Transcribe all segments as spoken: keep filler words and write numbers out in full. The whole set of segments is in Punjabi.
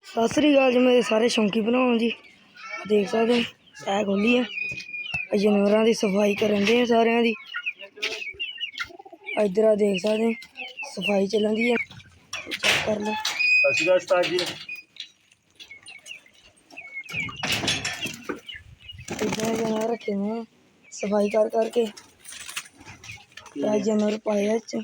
सत श्री अकाल जी मेरे सारे शौकी भरावां जी। देख सकते सह खोली है जानवरों की सफाई करन दे सारे दी। इधर देख सकते सफाई चलन दी है, चेक कर लो। सत श्री अकाल उस्ताद जी। इधर जानवर रखे हुए सफाई कर करके जानवर पाए च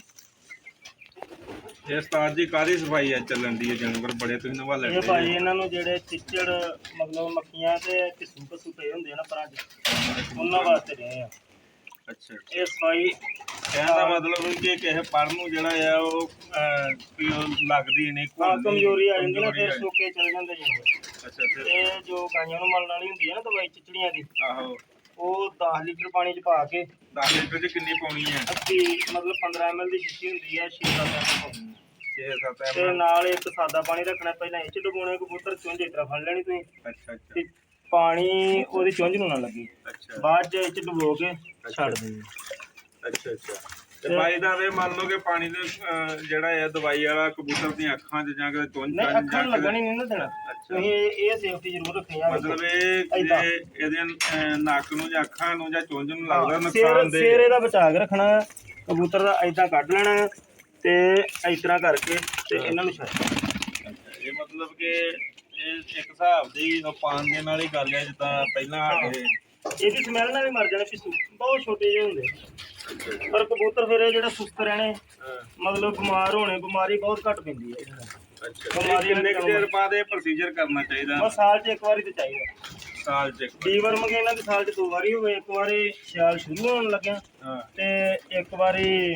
ਇਹ ਉਸਤਾਦ ਜੀ ਕਾਹਦੀ ਸਫਾਈ ਆ ਚੱਲਣ ਦੀ? ਜਾਨਵਰ ਬੜੇ ਤੁਸੀਂ ਨਵਾ ਲੈਂਦੇ ਇਹ ਭਾਈ ਇਹਨਾਂ ਨੂੰ ਜਿਹੜੇ ਚਿੱਚੜ ਮਤਲਬ ਮੱਖੀਆਂ ਤੇ ਕਿਸੂ ਕਸੂ ਪਏ ਹੁੰਦੇ ਆ ਨਾ ਪਰਾਂ ਚ, ਉਹਨਾਂ ਵਾਸਤੇ ਰਹੇ ਆ। ਅੱਛਾ, ਇਹ ਸਫਾਈ ਕਹਿਣ ਦਾ ਮਤਲਬ ਕਿ ਕਿਸੇ ਪੜ ਨੂੰ ਜਿਹੜਾ ਆ ਉਹ ਵੀ ਉਹ ਲੱਗਦੀ ਨਹੀਂ, ਹਾਂ ਕਮਜ਼ੋਰੀ ਆ ਜਾਂਦੀ ਨਾ, ਫਿਰ ਸੁੱਕੇ ਚਲ ਜਾਂਦੇ ਜਾਨਵਰ। ਅੱਛਾ, ਫਿਰ ਇਹ ਜੋ ਗਾਈਆਂ ਨੂੰ ਮਲਣ ਵਾਲੀ ਹੁੰਦੀ ਹੈ ਨਾ ਦਵਾਈ ਚਿਚੜੀਆਂ ਦੀ, ਆਹੋ ਉਹ ਦਸ ਲੀਟਰ ਪਾਣੀ ਚ ਪਾ ਕੇ ਦਸ ਲੀਟਰ ਚ ਕਿੰਨੀ ਪਾਉਣੀ ਹੈ? ਅੱਧੀ ਮਤਲਬ ਪੰਦਰਾਂ ਐਮ ਐਲ ਦੀ ਸ਼ੀਸ਼ੀ ਹੁੰਦੀ ਹੈ, ਛੇ ਸੱਤ ਐਮ ਪਾਉਣੀ ਹੈ। ਛੇ ਸੱਤ ਤੇ ਨਾਲ ਇੱਕ ਸਾਦਾ ਪਾਣੀ ਰੱਖਣਾ, ਪਹਿਲਾਂ ਇਹ ਚ ਡੁਬੋਣੇ ਕਬੂਤਰ ਚੁੰਝ ਇਸ ਤਰ੍ਹਾਂ ਫੜ ਲੈਣੀ ਤੁਸੀਂ, ਅੱਛਾ ਅੱਛਾ ਤੇ ਪਾਣੀ ਉਹਦੀ ਚੁੰਝ ਨੂੰ ਨਾ ਲੱਗੇ, ਅੱਛਾ ਬਾਅਦ ਚ ਇਹ ਚ ਡੁਬੋ ਕੇ ਛੱਡ ਦੇਣੀ। ਅੱਛਾ ਅੱਛਾ ਤੇ ਭਾਈ ਦਾ ਵੇ ਮੰਨ ਲਓ ਕਿ ਪਾਣੀ ਦੇ ਜਿਹੜਾ ਆ ਦਵਾਈ ਵਾਲਾ ਕਬੂਤਰ ਦੀਆਂ ਅੱਖਾਂ 'ਚ ਜਾਂ ਕਿ ਚੁੰਝ ਨਹੀਂ ਅੱਖਾਂ ਨੂੰ ਲੱਗਣੀ ਨਹੀਂ ਨਾ ਦੇਣਾ, ਤੁਸੀਂ ਇਹ ਸੇਫਟੀ ਜ਼ਰੂਰ ਰੱਖਣੀ ਆ। ਮਤਲਬ ਇਹ ਜੇ ਇਹਦੇ ਨੱਕ ਨੂੰ ਜਾਂ ਅੱਖਾਂ ਨੂੰ ਜਾਂ ਚੁੰਝ ਨੂੰ ਲੱਗਦਾ ਨੁਕਸਾਨ ਸਿਰ ਦੇ ਸਿਰ ਇਹਦਾ ਬਚਾ ਕੇ ਰੱਖਣਾ, ਕਬੂਤਰ ਦਾ ਏਦਾਂ ਕੱਢ ਲੈਣਾ ਤੇ ਇਸ ਤਰ੍ਹਾਂ ਕਰਕੇ ਤੇ ਇਹਨਾਂ ਨੂੰ ਛੱਡ। ਇਹ ਮਤਲਬ ਕਿ ਇਹ ਇੱਕ ਹਿਸਾਬ ਦੀ ਪਾਣ ਦੇ ਨਾਲ ਹੀ ਗੱਲ ਹੈ, ਜਿੱਦਾਂ ਪਹਿਲਾਂ ਸਾਡੇ ਇਹਦੀ ਸਮੈਲ ਨਾਲ ਵੀ ਮਰ ਜਾਣੇ ਪਿੱਛੂ, ਬਹੁਤ ਛੋਟੇ ਜਿਹੇ ਹੁੰਦੇ, ਪਰ ਕਬੂਤਰ ਫਿਰ ਇਹ ਜਿਹੜਾ ਸੁਸਤ ਰਹਿਣੇ ਮਤਲਬ ਬਿਮਾਰ ਹੋਣੇ, ਬਿਮਾਰੀ ਬਹੁਤ ਘੱਟ ਪੈਂਦੀ ਹੈ ਇਹਦੇ ਨਾਲ। ਬਿਮਾਰੀ ਕਿੰਨੇ ਕੁ ਦੇਰ ਬਾਅਦ ਇਹ ਪ੍ਰੋਸੀਜਰ ਕਰਨਾ ਚਾਹੀਦਾ? ਬਸ ਸਾਲ 'ਚ ਇੱਕ ਵਾਰੀ ਤੇ ਚਾਹੀਦਾ। ਸਾਲ ਚ ਡੀਵਰਮ ਕੇ ਇਹਨਾਂ ਦੀ ਸਾਲ 'ਚ ਦੋ ਵਾਰੀ ਹੋਵੇ, ਇੱਕ ਵਾਰੀ ਸਿਆਲ ਸ਼ੁਰੂ ਹੋਣ ਲੱਗਿਆ ਤੇ ਇੱਕ ਵਾਰੀ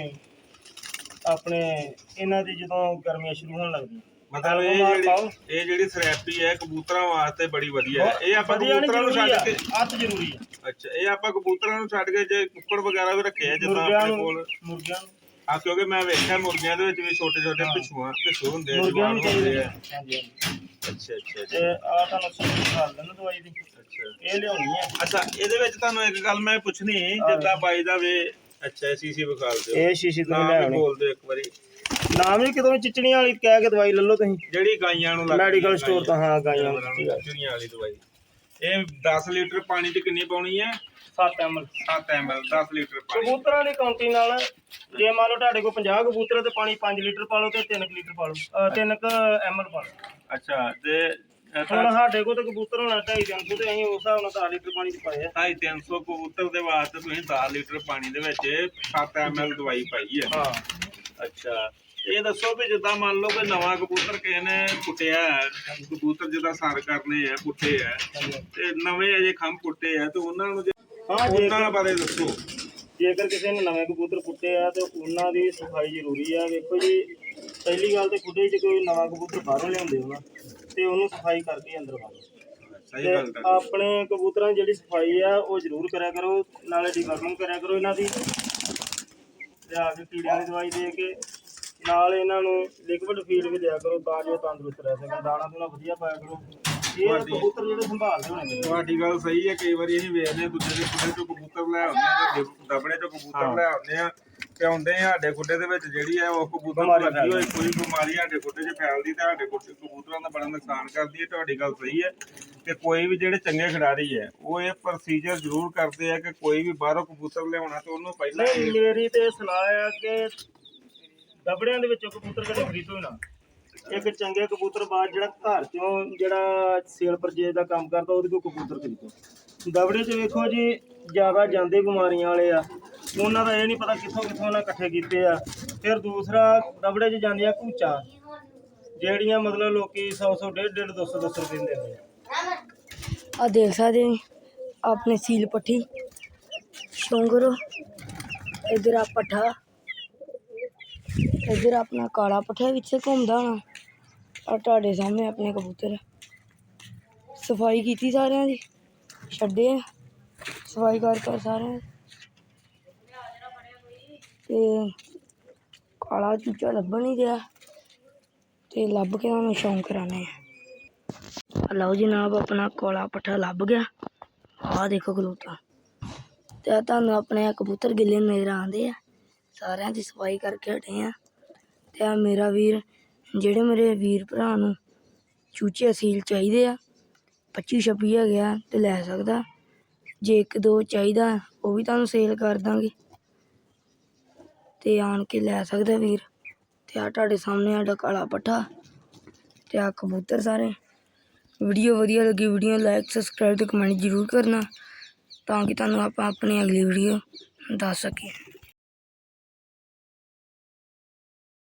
ਆਪਣੇ ਇਹਨਾਂ ਦੀ ਜਦੋਂ ਗਰਮੀਆਂ ਸ਼ੁਰੂ ਹੋਣ ਲੱਗਦੀਆਂ। ਮਤਲਬ ਇਹ ਜਿਹੜੀ ਇਹ ਜਿਹੜੀ ਥੈਰੇਪੀ ਹੈ ਕਬੂਤਰਾਂ ਵਾਸਤੇ ਬੜੀ ਵਧੀਆ ਹੈ। ਇਹ ਆਪਾਂ ਕਬੂਤਰਾਂ ਨੂੰ ਛੱਡ ਕੇ ਅੱਤ ਜ਼ਰੂਰੀ ਹੈ। ਅੱਛਾ, ਇਹ ਆਪਾਂ ਕਬੂਤਰਾਂ ਨੂੰ ਛੱਡ ਕੇ ਜੇ ਕੁੱਕੜ ਵਗੈਰਾ ਵੀ ਰੱਖੇ ਆ ਜਿੱਦਾਂ ਆਪਣੇ ਕੋਲ ਮੁਰਗਿਆਂ ਨੂੰ, ਹਾਂ ਕਿਉਂਕਿ ਮੈਂ ਵੇਖਿਆ ਮੁਰਗੀਆਂ ਦੇ ਵਿੱਚ ਵੀ ਛੋਟੇ ਛੋਟੇ ਪਿਛੂਆਂ ਪਿਛੂ ਹੁੰਦੇ ਆ, ਮੁਰਗਿਆਂ ਜਵਾਨ ਨੂੰ ਹੁੰਦੇ ਆ। ਹਾਂਜੀ ਅੱਛਾ ਅੱਛਾ ਤੇ ਆ ਤੁਹਾਨੂੰ ਸਹੀ ਕਰ ਲੈਣਾ ਦਵਾਈ ਦੀ, ਅੱਛਾ ਇਹ ਲਿਆਉਣੀ ਹੈ। ਅੱਛਾ, ਇਹਦੇ ਵਿੱਚ ਤੁਹਾਨੂੰ ਇੱਕ ਗੱਲ ਮੈਂ ਪੁੱਛਣੀ ਜਿੱਦਾਂ ਬਾਈ ਦਾ ਵੇ। ਅੱਛਾ, ਸੀਸੀ ਵਿਖਾਲ ਦਿਓ, ਇਹ ਸ਼ੀਸ਼ੀ ਤੋਂ ਨਾਮ ਲਿਆਉਣੀ, ਬੋਲ ਦਿਓ ਇੱਕ ਵਾਰੀ। ਨਾਮ ਵੀ ਕਿਤੋਂ ਚਿਚੜੀਆਂ ਵਾਲੀ ਕਹਿ ਕੇ ਦਵਾਈ ਲੈ ਲਓ ਤੁਸੀਂ, ਜਿਹੜੀ ਗਾਈਆਂ ਨੂੰ ਮੈਡੀਕਲ ਸਟੋਰ ਤੋਂ। ਹਾਂ ਗਾਈਆਂ ਨੂੰ ਚਿੜੀਆਂ ਵਾਲੀ ਦਵਾਈ। ਇਹ ਦਸ ਲੀਟਰ ਪਾਣੀ 'ਚ ਕਿੰਨੀ ਪਾਉਣੀ ਹੈ? ਸੱਤ ਐਮ ਐਲ ਸੱਤ ਐਮ ਐਲ ਦਸ ਲੀਟਰ ਪਾਣੀ। ਕਬੂਤਰਾਂ ਦੀ ਕਾਉਂਟੀ ਨਾਲ ਜੇ ਮੰਨ ਲਓ ਤੁਹਾਡੇ ਕੋਲ ਪੰਜਾਹ ਕਬੂਤਰ ਤੇ ਪਾਣੀ ਪੰਜ ਲੀਟਰ ਪਾ ਲਓ ਤੇ ਤਿੰਨ ਲੀਟਰ ਪਾ ਲਓ, ਤਿੰਨ ਕ ਐਮ ਐਲ ਪਾ ਲਓ। ਅੱਛਾ, ਤੇ ਹੁਣ ਸਾਡੇ ਕੋਲ ਤਾਂ ਕਬੂਤਰ ਹੋਣਾ ਢਾਈ ਤਿੰਨ ਸੌ ਤੇ ਅਸੀਂ ਉਸ ਹਿਸਾਬ ਨਾਲ ਦਸ ਲੀਟਰ ਪਾਣੀ ਚ ਪਾਏ ਆ। ਢਾਈ ਤਿੰਨ ਸੌ ਕਬੂਤਰ ਦੇ ਵਾਸਤੇ ਤੁਸੀਂ ਦਸ ਲੀਟਰ ਪਾਣੀ ਦੇ ਵਿੱਚ ਸੱਤ ਐਮ ਐਲ ਦਵਾਈ ਪਾਈ ਹੈ। ਹਾਂ ਅੱਛਾ, ਇਹ ਦੱਸੋ ਵੀ ਜਿੱਦਾਂ ਮੰਨ ਲਓ ਕਿ ਨਵਾਂ ਕਬੂਤਰ ਕਿਸੇ ਨੇ ਪੁੱਟਿਆ ਹੈ, ਕਬੂਤਰ ਜਿੱਦਾਂ ਸਰ ਕਰਨੇ ਆ ਪੁੱਟੇ ਆ ਤੇ ਨਵੇਂ ਅਜੇ ਖੰਭ ਪੁੱਟੇ ਆ ਤੇ ਉਹਨਾਂ ਨੂੰ ਹਾਂ ਉਹਨਾਂ ਬਾਰੇ ਦੱਸੋ। ਜੇਕਰ ਕਿਸੇ ਨੇ ਨਵੇਂ ਕਬੂਤਰ ਪੁੱਟੇ ਆ ਤੇ ਉਹਨਾਂ ਦੀ ਸਫਾਈ ਜ਼ਰੂਰੀ ਆ। ਵੇਖੋ ਜੀ, ਪਹਿਲੀ ਗੱਲ ਤੇ ਖੁੱਡੇ 'ਚ ਕੋਈ ਨਵਾਂ ਕਬੂਤਰ ਬਾਹਰੋਂ ਲਿਆਉਂਦੇ ਹੋ ਨਾ ਤੇ ਉਹਨੂੰ ਸਫਾਈ ਕਰਕੇ ਅੰਦਰ ਪਾਓ। ਸਹੀ ਗੱਲ ਹੈ। ਆਪਣੇ ਕਬੂਤਰਾਂ ਦੀ ਜਿਹੜੀ ਸਫਾਈ ਆ ਉਹ ਜ਼ਰੂਰ ਕਰਿਆ ਕਰੋ, ਨਾਲੇ ਡੀਵਰਮਿੰਗ ਕਰਿਆ ਕਰੋ ਇਹਨਾਂ ਦੀ, ਲਿਆ ਕੇ ਕੀੜਿਆਂ ਦੀ ਦਵਾਈ ਦੇ ਕੇ, ਨਾਲ ਇਹਨਾਂ ਨੂੰ ਲਿਕਵਿਡ ਫੀਡ ਵੀ ਦਿਆ ਕਰੋ ਤਾਂ ਜੋ ਤੰਦਰੁਸਤ ਰਹਿ ਸਕਣ। ਦਾਣਾ ਦੂਣਾ ਵਧੀਆ ਪਾਇਆ ਕਰੋ। ਇਹ ਕਬੂਤਰ ਜਿਹੜੇ ਸੰਭਾਲਦੇ ਹੋਣੇ ਨੇ। ਤੁਹਾਡੀ ਗੱਲ ਸਹੀ ਹੈ। ਕਈ ਵਾਰੀ ਅਸੀਂ ਵੇਖਦੇ ਹਾਂ ਦੂਜੇ ਦੇ ਖੁੱਡੇ ਚੋਂ ਕਬੂਤਰ ਲੈ ਆਉਂਦੇ ਆ, ਦਬੜੇ ਚੋਂ ਕਬੂਤਰ ਲੈ ਆਉਂਦੇ ਆ ਤੇ ਆਉਂਦੇ ਸਾਡੇ ਖੁੱਡੇ ਦੇ ਵਿੱਚ ਜਿਹੜੀ ਹੈ ਉਹ ਕਬੂਤਰ ਨੂੰ ਲੱਗੀ ਹੋਈ ਕੋਈ ਬਿਮਾਰੀ ਸਾਡੇ ਖੁੱਡੇ 'ਚ ਫੈਲਦੀ ਤੇ ਸਾਡੇ ਕਬੂਤਰਾਂ ਦਾ ਬੜਾ ਨੁਕਸਾਨ ਕਰਦੀ ਹੈ। ਤੁਹਾਡੀ ਗੱਲ ਸਹੀ ਹੈ ਕਿ ਕੋਈ ਵੀ ਜਿਹੜੇ ਚੰਗੇ ਖਿਡਾਰੀ ਹੈ ਉਹ ਇਹ ਪ੍ਰੋਸੀਜਰ ਜ਼ਰੂਰ ਕਰਦੇ ਆ ਕਿ ਕੋਈ ਵੀ ਬਾਹਰੋਂ ਕਬੂਤਰ ਲਿਆਉਣਾ ਤੇ ਉਹਨੂੰ ਪਹਿਲਾਂ ਮੇਰੀ ਤੇ ਸਲਾਹ ਹੈ ਕਿ ਦਬੜਿਆਂ ਦੇ ਵਿੱਚੋਂ ਕਬੂਤਰ ਕਦੇ ਖਰੀਦੋ ਨਾ। ਇੱਕ ਚੰਗੇ ਕਬੂਤਰ ਬਾਅਦ ਜਿਹੜਾ ਘਰ ਚੋਂ ਜਿਹੜਾ ਸੇਲ ਪਰਚੇਜ ਦਾ ਕੰਮ ਕਰਦਾ ਉਹਦੇ ਕੋਲ ਕਬੂਤਰ ਖਰੀਦੋ। ਦਬੜੇ 'ਚ ਵੇਖੋ ਜੀ ਜ਼ਿਆਦਾ ਜਾਂਦੇ ਬਿਮਾਰੀਆਂ ਵਾਲੇ ਆ, ਉਹਨਾਂ ਦਾ ਇਹ ਨਹੀਂ ਪਤਾ ਕਿੱਥੋਂ ਕਿੱਥੋਂ ਉਹਨਾਂ ਇਕੱਠੇ ਕੀਤੇ ਆ। ਫਿਰ ਦੂਸਰਾ ਦਬੜੇ 'ਚ ਜਾਂਦੀਆਂ ਘੂਚਾਂ ਜਿਹੜੀਆਂ ਮਤਲਬ ਲੋਕੀ ਸੌ ਸੌ ਡੇਢ ਡੇਢ ਦੋ ਸੌ ਦੋ ਸੌ ਰੁਪਏ ਦਿੰਦੇ ਆ। आ देख सकते अपने सील पट्टी शोंगरो, इधर आ पट्ठा, इधर अपना काला पट्ठा पिछे घूमता होना, और तुहाडे सामने अपने कबूतर सफाई की सारे दी, छड्डे सफाई कर कर सारे ते काला चूचा लभन नहीं दिया ते लभ के उन्होंने शौक कराने। लो जनाब अपना काला पट्ठा लभ गया, आ देखो खलोता ते तुहानू अपने कबूतर गिले नज़र आंदे आ। सारिਆਂ ਦੀ सफाई करके हटे हैं ते मेरा वीर जेड़े मेरे वीर भरा नू ਚੂਚੇ ਅਸੀਲ ਚਾਹੀਦੇ ਆ ਪੱਚੀ ਛੱਬੀ ਹੈਗੇ ਆ ਤੇ ਲੈ ਸਕਦਾ। ਜੇ ਇੱਕ ਦੋ ਚਾਹੀਦਾ ਉਹ ਵੀ ਤੁਹਾਨੂੰ ਸੇਲ ਕਰ ਦਾਂਗੇ ਤੇ ਆਣ ਕੇ ਲੈ ਸਕਦਾ ਵੀਰ। ਤੇ ਆ ਤੁਹਾਡੇ ਸਾਹਮਣੇ ਸਾਡਾ ਕਾਲਾ ਪੱਠਾ ਤੇ ਆ ਕਬੂਤਰ ਸਾਰੇ। ਵੀਡੀਓ ਵਧੀਆ ਲੱਗੀ ਵੀਡੀਓ ਲਾਈਕ ਸਬਸਕ੍ਰਾਈਬ ਤੇ ਕਮੈਂਟ ਜ਼ਰੂਰ ਕਰਨਾ ਤਾਂ ਕਿ ਤੁਹਾਨੂੰ ਆਪਾਂ ਆਪਣੀ ਅਗਲੀ ਵੀਡੀਓ ਦੱਸ ਸਕੀਏ।